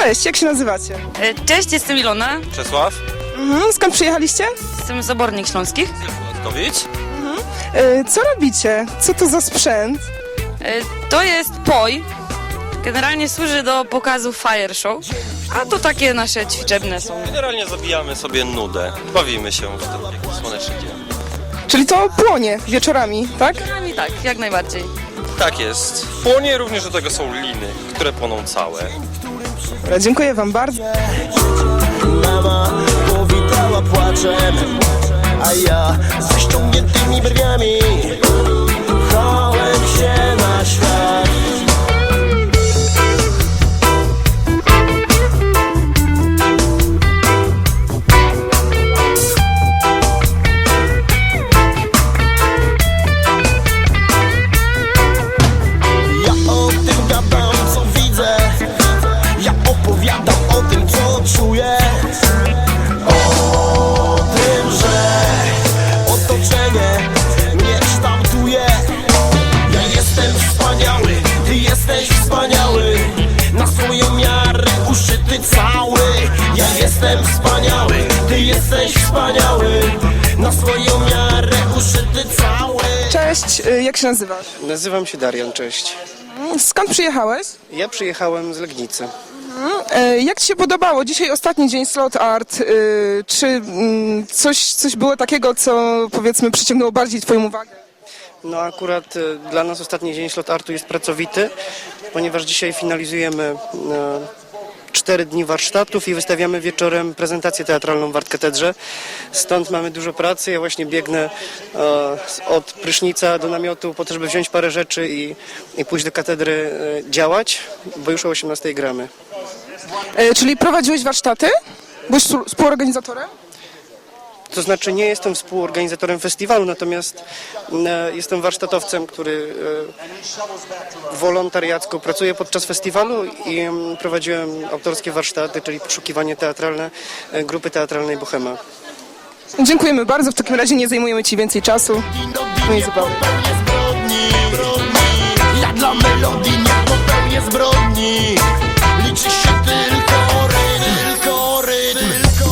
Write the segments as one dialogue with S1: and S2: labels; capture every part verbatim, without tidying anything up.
S1: Cześć, jak się nazywacie?
S2: E, Cześć, jestem Ilona,
S3: Czesław.
S1: Mhm. Skąd przyjechaliście?
S2: jestem z Obornik Śląskich.
S3: Władkowicz.
S1: E, Co robicie? Co to za sprzęt?
S2: E, To jest poj. Generalnie służy do pokazu fire show, a to takie nasze ćwiczebne są.
S3: Generalnie zabijamy sobie nudę. Bawimy się w ten piękny słoneczny dzień.
S1: Czyli to płonie wieczorami, tak?
S2: I tak, jak najbardziej.
S3: Tak jest. Płonie również do tego są liny, które płoną całe.
S1: Dobra, dziękuję wam bardzo.
S4: Mama powitała płaczem, a ja ze ściągniętymi brwiami pchałem się na świat. Ja o tym gadam, co widzę. Ja opowiadam o tym, co czuję. O tym, że otoczenie mnie kształtuje. Ja jestem wspaniały, ty jesteś wspaniały. Na swoją miarę uszyty cały. Ja jestem wspaniały, ty jesteś wspaniały. Na swoją miarę uszyty cały.
S1: Cześć, e, jak się nazywasz?
S5: Nazywam się Darian, cześć.
S1: Skąd przyjechałeś?
S5: Ja przyjechałem z Legnicy.
S1: E, Jak ci się podobało? Dzisiaj ostatni dzień Slot Art. E, Czy mm, coś, coś było takiego, co powiedzmy przyciągnęło bardziej twoją uwagę?
S5: No akurat e, dla nas ostatni dzień Slot Artu jest pracowity, ponieważ dzisiaj finalizujemy e, cztery dni warsztatów i wystawiamy wieczorem prezentację teatralną w Artkatedrze. Stąd mamy dużo pracy. Ja właśnie biegnę e, od prysznica do namiotu po to, żeby wziąć parę rzeczy i, i pójść do katedry e, działać, bo już o osiemnastej gramy.
S1: E, Czyli prowadziłeś warsztaty? Byłeś współ- współorganizatorem?
S5: To znaczy nie jestem współorganizatorem festiwalu, natomiast e, jestem warsztatowcem, który e, wolontariacko pracuje podczas festiwalu i em, prowadziłem autorskie warsztaty, czyli poszukiwanie teatralne e, grupy teatralnej Bohema.
S1: Dziękujemy bardzo, w takim razie nie zajmujemy ci więcej czasu. No i zupełnie.
S4: Popełnię zbrodni, zbrodni. Ja dla melodii nie popełnię zbrodni. Liczy się tylko rytm, tylko rytm, tylko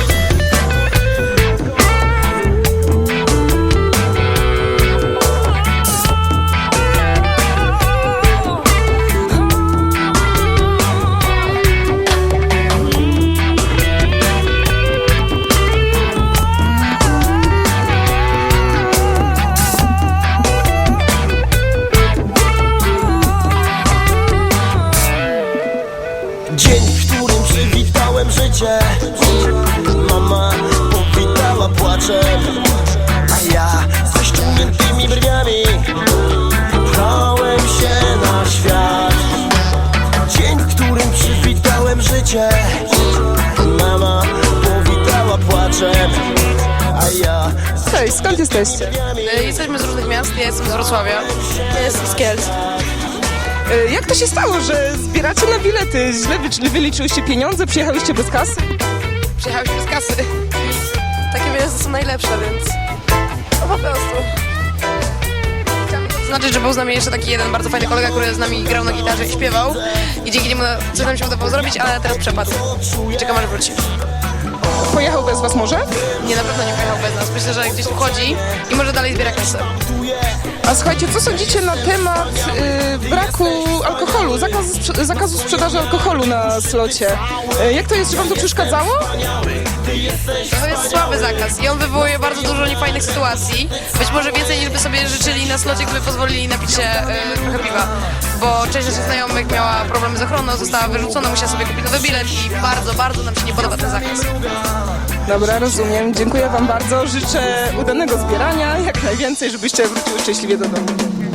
S4: dzień, w którym przywitałem życie. Mama powitała płaczem, a ja ze ściągniętymi brwiami pchałem się na świat. Dzień, w którym przywitałem życie. Mama powitała płaczem, a ja ze
S1: Cześć, skąd jesteście?
S6: Jesteśmy z różnych miast, ja jestem z Wrocławia, ja jestem z Kielc.
S1: E, Jak to się stało, że zbieracie na bilety? Źle wy- wyliczyłyście pieniądze, przyjechałyście bez kasy?
S6: Przyjechałyśmy z kasy. Takie miasta są najlepsze, więc no po prostu. Chciałam zaznaczyć, że był z nami jeszcze taki jeden bardzo fajny kolega, który z nami grał na gitarze i śpiewał. I dzięki niemu coś nam się udało zrobić, ale teraz przepadł. I czekam, aż wróci.
S1: Pojechał bez was może?
S6: Nie, na pewno nie pojechał bez nas. Myślę, że gdzieś tu chodzi i może dalej zbiera kasę.
S1: A słuchajcie, co sądzicie na temat y, braku alkoholu, zakazu, sprze- zakazu sprzedaży alkoholu na slocie? Y, jak to jest, czy wam to przeszkadzało?
S6: To jest słaby zakaz i on wywołuje bardzo dużo niefajnych sytuacji. Być może więcej niż by sobie życzyli na slocie, gdyby pozwolili napić się y, trochę piwa. Bo część naszych znajomych miała problemy z ochroną, została wyrzucona, musiała sobie kupić nowy bilet i bardzo, bardzo nam się nie podoba ten zakaz.
S1: Dobra, rozumiem. Dziękuję wam bardzo. Życzę udanego zbierania, jak najwięcej, żebyście wróciły szczęśliwie do domu.